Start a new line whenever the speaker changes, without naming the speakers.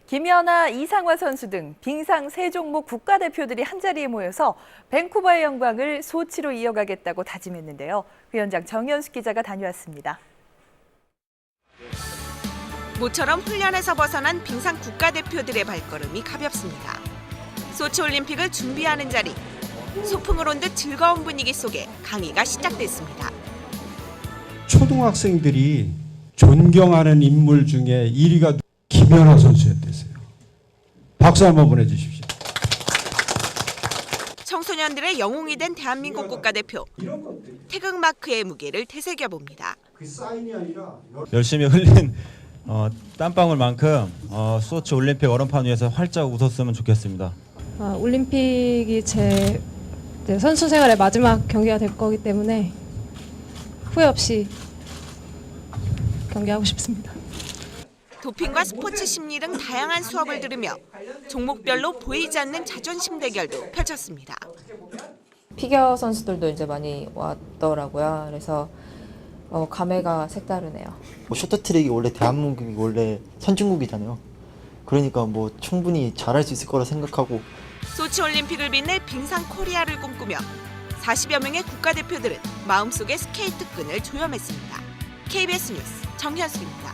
김연아, 이상화 선수 등 빙상 세 종목 국가대표들이 한자리에 모여서 밴쿠버의 영광을 소치로 이어가겠다고 다짐했는데요. 그 현장 정현숙 기자가 다녀왔습니다.
모처럼 훈련에서 벗어난 빙상 국가대표들의 발걸음이 가볍습니다. 소치올림픽을 준비하는 자리, 소풍을 온 듯 즐거운 분위기 속에 강의가 시작됐습니다.
초등학생들이 존경하는 인물 중에 1위가 김연아 선수였대요. 박수 한번 보내주십시오.
청소년들의 영웅이 된 대한민국 국가대표, 태극마크의 무게를 되새겨봅니다.
그 사인이 아니라
열심히 흘린 땀방울만큼 소치 올림픽 얼음판 위에서 활짝 웃었으면 좋겠습니다.
올림픽이 제 선수 생활의 마지막 경기가 될 거기 때문에 후회 없이 경기하고 싶습니다.
도핑과 스포츠 심리 등 다양한 수업을 들으며 종목별로 보이지 않는 자존심 대결도 펼쳤습니다.
피겨 선수들도 이제 많이 왔더라고요. 그래서 감회가 색다르네요.
쇼트트랙이 원래 대한민국이 원래 선진국이잖아요. 그러니까 충분히 잘할 수 있을 거라 생각하고.
소치 올림픽을 빛낼 빙상 코리아를 꿈꾸며 40여 명의 국가대표들은 마음속에 스케이트 끈을 조염했습니다. KBS 뉴스 정현수입니다.